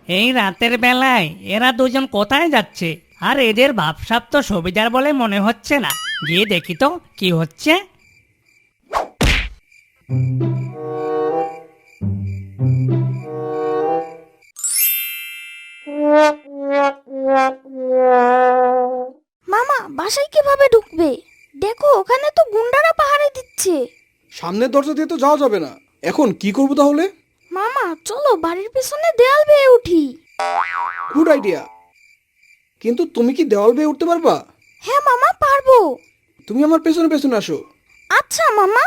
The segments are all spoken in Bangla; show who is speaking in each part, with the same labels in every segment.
Speaker 1: এই রাতের বেলায় এরা দুজন কোথায় যাচ্ছে? আর এদের ভাবসাব তো সুবিধার বলে মনে হচ্ছে না। গিয়ে দেখি তো কি হচ্ছে।
Speaker 2: মামা বাসায় কিভাবে ঢুকবে? দেখো ওখানে তো গুন্ডারা পাহারা দিচ্ছে।
Speaker 3: সামনের দরজা দিয়ে তো যাওয়া যাবে না। এখন কি করবো তাহলে?
Speaker 2: মামা চলো বাড়ির পেছনে দেয়াল বেয়ে উঠি।
Speaker 3: Good idea. কিন্তু তুমি কি দেওয়াল বেয়ে উঠতে পারবা?
Speaker 2: হ্যাঁ মামা পারবো।
Speaker 3: তুমি আমার পেছনে পেছনে আসো।
Speaker 2: আচ্ছা মামা।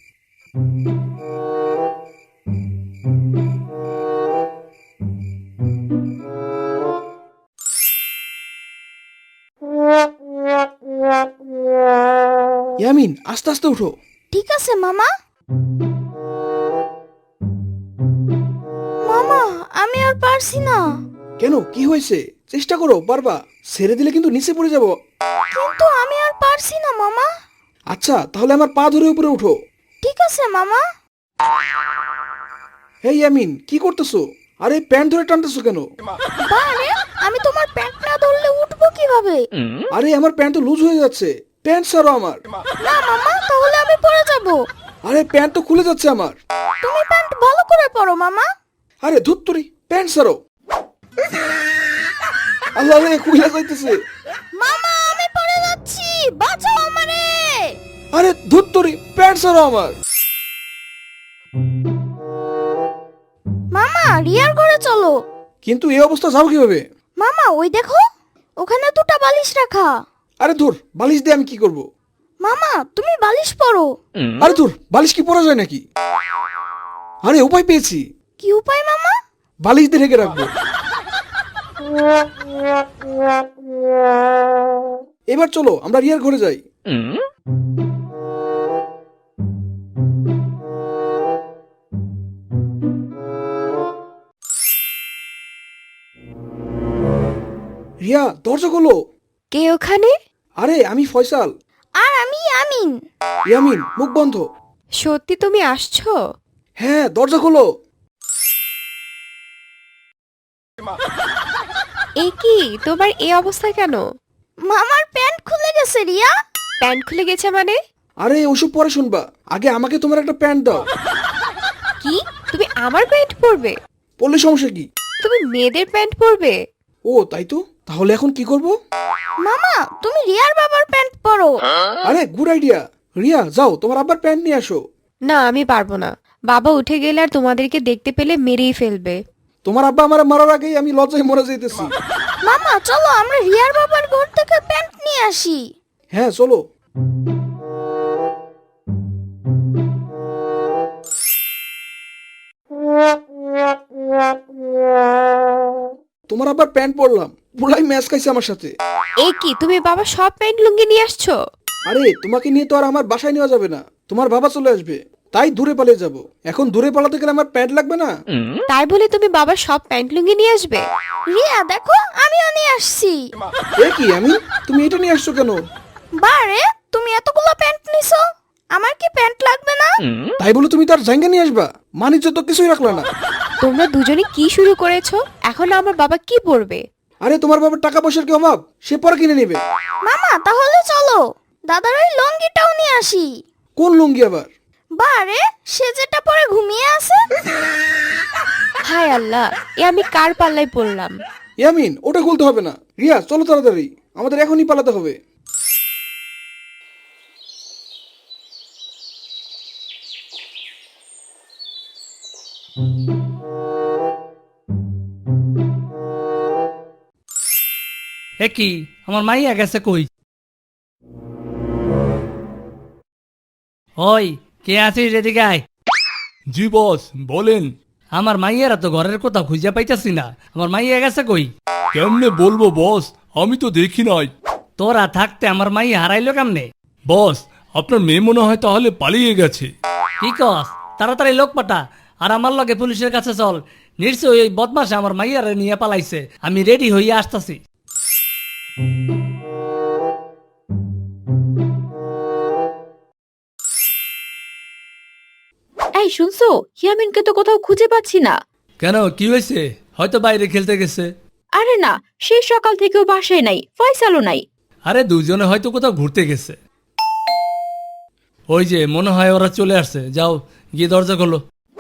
Speaker 3: ইয়ামিন, আস্তে আস্তে উঠো।
Speaker 2: ঠিক আছে মামা। মামা আমি আর পারছি না।
Speaker 3: কেন, কি হয়েছে? চেষ্টা করো, পারবা। ছেড়ে দিলে কিন্তু নিচে পড়ে যাব।
Speaker 2: কিন্তু আমি আর পারছি না মামা।
Speaker 3: আচ্ছা, তাহলে আমার পা ধরে উপরে উঠো।
Speaker 2: ঠিক আছে মামা।
Speaker 3: হে ইয়ামিন, কি করতেছো? আরে প্যান্ট ধরে টানতেছো কেন?
Speaker 2: বারে আমি তোমার প্যান্ট না ধরলে উঠবো কিভাবে?
Speaker 3: আরে আমার প্যান্ট তো লুজ হয়ে যাচ্ছে। প্যান্ট ছাড়ো আমার।
Speaker 2: না মামা তাহলে আমি পরে যাব।
Speaker 3: আরে প্যান্ট তো খুলে যাচ্ছে আমার।
Speaker 2: তুমি প্যান্ট ভালো করে পরো মামা।
Speaker 3: আরে ধুত্তুরি, প্যান্ট ছাড়ো। আল্লাহ রে, খুলে যাইতেছে।
Speaker 2: মামা আমি পড়ে যাচ্ছি, বাঁচাও আমারে।
Speaker 3: আরে ধুত্তুরি, প্যান্ট ছাড়ো আমার।
Speaker 2: মামা রিয়ার ঘরে চলো।
Speaker 3: কিন্তু এই অবস্থা যাবো কিভাবে?
Speaker 2: মামা ওই দেখো ওখানে দুটো বালিশ রাখা।
Speaker 3: আরে ধুর, বালিশ দিয়ে আমি কি করব?
Speaker 2: মামা তুমি বালিশ পরো।
Speaker 3: আরে ধুর, বালিশ কি পরা যায় নাকি? আরে উপায় পেয়েছি।
Speaker 2: কি উপায় মামা?
Speaker 3: বালিশ দিয়ে ঢেকে রাখবো। এবার চলো আমরা রিয়ার ঘরে যাই। রিয়া, দরজা খোলো।
Speaker 2: কে ওখানে?
Speaker 3: আরে আমি ফয়সাল।
Speaker 2: আর আমি আমিন।
Speaker 3: ইয়ামিন, মুখ বন্ধ।
Speaker 2: সত্যি তুমি আসছো?
Speaker 3: হ্যাঁ, দরজা খোলো।
Speaker 4: এ কি তোমার এই অবস্থা কেন?
Speaker 2: মামার প্যান্ট খুলে গেছে রিয়া।
Speaker 4: প্যান্ট খুলে গেছে মানে?
Speaker 3: আরে ওসব পরে শুনবা, আগে আমাকে তোমার একটা প্যান্ট দাও।
Speaker 4: কি তুমি আমার প্যান্ট পরবে?
Speaker 3: পরলে সমস্যা কি?
Speaker 4: তুমি মেয়েদের প্যান্ট পরবে?
Speaker 3: ও তাই তো, তাহলে এখন কি করব?
Speaker 2: মামা তুমি রিয়ার বাবার প্যান্ট পরো।
Speaker 3: আরে গুড আইডিয়া। রিয়া যাও, তোমার আবার প্যান্ট নিয়ে আসো।
Speaker 4: না আমি পারবো না। বাবা উঠে গেলে আর তোমাদেরকে দেখতে পেলে মেরেই ফেলবে।
Speaker 3: তোমার আব্বা আমার মারার আগেই আমি লজ্জায় মরে যাইতেছি।
Speaker 2: মামা চলো আমরা রিয়ার বাবার ঘর থেকে প্যান্ট নিয়ে আসি।
Speaker 3: হ্যাঁ চলো। তোমার আবার প্যান্ট পরলাম, পুরাই ম্যাচ খাইছে আমার সাথে।
Speaker 4: এ কি তুমি বাবা সব প্যান্ট লুঙ্গি নিয়ে আসছো?
Speaker 3: আরে তোমাকে নিয়ে তো আর আমার বাসায় নেওয়া যাবে না, তোমার বাবা চলে আসবে। তাই দূরে পালিয়ে যাব। এখন দূরে পালাতে গেলে আমার প্যান্ট লাগবে না?
Speaker 4: তাই বলে তুমি বাবা সব প্যান্ট লুঙ্গি নিয়ে আসবে?
Speaker 2: রিয়া দেখো আমিও নিয়ে আসছি।
Speaker 3: এ কি আমি, তুমি এটা নিয়ে আসছো কেন?
Speaker 2: বারে তুমি এতগুলো প্যান্ট নিছো, আমার কি প্যান্ট লাগবে না?
Speaker 3: তাই বলে তুমি তার জায়গা নিয়ে আসবা? মানিজ্য তো কিছুই রাখলা না।
Speaker 4: তোমরা দুজনে কি শুরু করেছো? এখন আমার বাবা কি পরবে?
Speaker 3: আরে তোমার বাবার টাকা পয়সার কি অভাব? সে পরে কিনে নেবে।
Speaker 2: মামা তাহলে চলো দাদার ওই লঙ্গিটাও নিয়ে আসি।
Speaker 3: কোন লুঙ্গি আবার?
Speaker 2: বারে সে যেটা পরে ঘুমিয়ে আছে।
Speaker 4: হায় আল্লাহ, এ আমি কার পাল্লায় পড়লাম?
Speaker 3: ইয়ামিন, ওটা খুলতে হবে না। রিয়া চলো তাড়াতাড়ি, আমাদের এখনই পালাতে হবে।
Speaker 1: এ কি, আমার মাইয়া গেছে কই? ওই কে আছিস এদিকে আয়।
Speaker 5: জি বস, বলেন।
Speaker 1: আমার মাইয়ারা তো ঘরের কোথাও খুঁজে পাইতাছি না। আমার মাইয়া গেছে কই?
Speaker 5: কেমনে বলবো বস, আমি তো দেখি নাই।
Speaker 1: তোরা থাকতে আমার মাইয়া হারাইলো কেমনে?
Speaker 5: বস, আপনার মেয়ে মনে হয় তাহলে পালিয়ে গেছে।
Speaker 1: কি কস? তাড়াতাড়ি লোক পাঠা আর আমার লগে পুলিশের কাছে চল। নিশ্চয়ই ওই বদমাসে আমার মাইয়ারে নিয়ে পালাইছে। আমি রেডি হইয়া আসতাছি।
Speaker 6: এই শুনছো, ইয়ামিনকে তো কোথাও খুঁজে পাচ্ছি না।
Speaker 1: কেন, কি হয়েছে? হয়তো বাইরে খেলতে গেছে।
Speaker 6: আরে না, সেই সকাল থেকেও বাসায় নাই, ফয়সালও নাই।
Speaker 1: আরে দুজনে হয়তো কোথাও ঘুরতে গেছে। ওই যে মনে হয় ওরা চলে আসছে, যাও গিয়ে দরজা খোলো।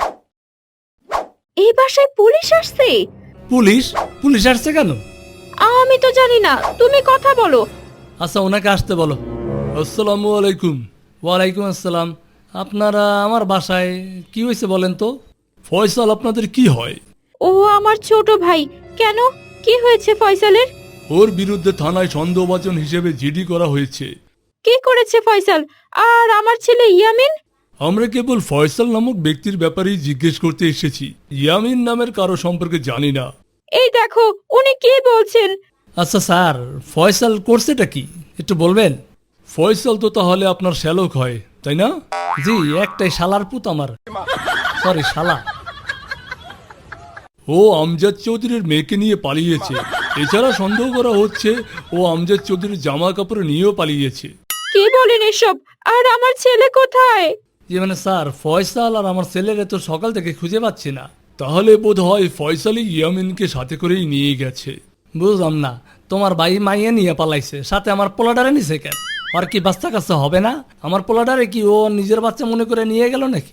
Speaker 6: এই বাসায় পুলিশ আসছে?
Speaker 1: পুলিশ? পুলিশ আসছে কেন?
Speaker 6: আমি তো জানি না, তুমি কথা বলো।
Speaker 1: আচ্ছা ওনাকে আসতে বলো।
Speaker 5: আসসালামু আলাইকুম।
Speaker 1: ওয়ালাইকুম আসসালাম। আপনারা আমার বাসায় কি হয়েছে বলেন তো?
Speaker 5: ফয়সাল আপনাদের কি হয়?
Speaker 6: ও আমার ছোট ভাই। কেন, কি হয়েছে ফয়সালের?
Speaker 5: ওর বিরুদ্ধে থানায় সন্দেহভাজন হিসেবে জিডি করা হয়েছে।
Speaker 6: কি করেছে ফয়সাল? আর আমার ছেলে ইয়ামিন?
Speaker 5: আমরা কেবল ফয়সাল নামক ব্যক্তির ব্যাপারেই জিজ্ঞেস করতে এসেছি, ইয়ামিন নামের কারো সম্পর্কে জানি না।
Speaker 6: এই দেখো উনি কি বলছেন।
Speaker 1: আচ্ছা স্যার, ফয়সাল করছেটা কি একটু বলবেন?
Speaker 5: ফয়সাল তো তাহলে আপনার শ্যালক হয়, তাই না?
Speaker 1: জি, একটাই শালার পুত আমার। সরি, শালা।
Speaker 5: ও আমজাদ চৌধুরীর মেয়েকে নিয়ে পালিয়েছে। এছাড়া সন্দেহ করা হচ্ছে ও আমজাদ চৌধুরীর জামা কাপড় নিয়েও পালিয়েছে।
Speaker 6: কি বলেন এসব? আর আমার ছেলে কোথায়?
Speaker 1: জি মানে স্যার, ফয়সাল আর আমার ছেলেরে তো সকাল থেকে খুঁজে পাচ্ছি না।
Speaker 5: তাহলে বোধ হয় ফয়সালই ইয়ামিনকে সাথে করেই নিয়ে গেছে।
Speaker 1: বুঝলাম না, তোমার ভাই মাইয়ে নিয়ে পালাইছে, সাথে আমার পোলাডারে নিছে কেন? আর কি বাচ্চা কাচ্চা হবে না? আমার পোলাডারে কি ও নিজের বাচ্চা মনে করে নিয়ে গেল নাকি?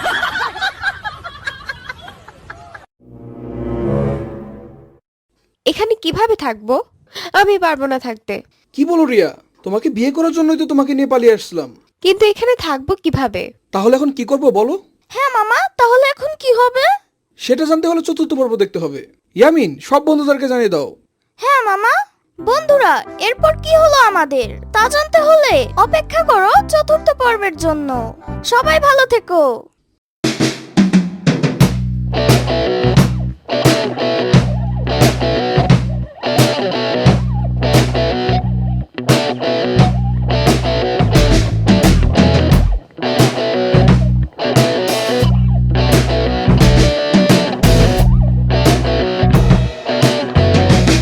Speaker 4: এখানে কিভাবে থাকবো? আমি পারবো না থাকতে।
Speaker 3: কি বলো রিয়া, তোমাকে বিয়ে করার জন্যই তো তোমাকে নিয়ে পালিয়ে আসলাম।
Speaker 4: কিন্তু এখানে থাকবো কিভাবে?
Speaker 3: তাহলে এখন কি করবো বলো?
Speaker 2: হ্যাঁ মামা, তাহলে এখন কি হবে?
Speaker 3: সেটা জানতে হলে চতুর্থ পর্ব দেখতে হবে। ইয়ামিন, সব বন্ধুদেরকে জানিয়ে দাও।
Speaker 2: হ্যাঁ মামা। বন্ধুরা, এরপর কি হলো আমাদের তা জানতে হলে অপেক্ষা করো চতুর্থ পর্বের জন্য। সবাই ভালো থেকো।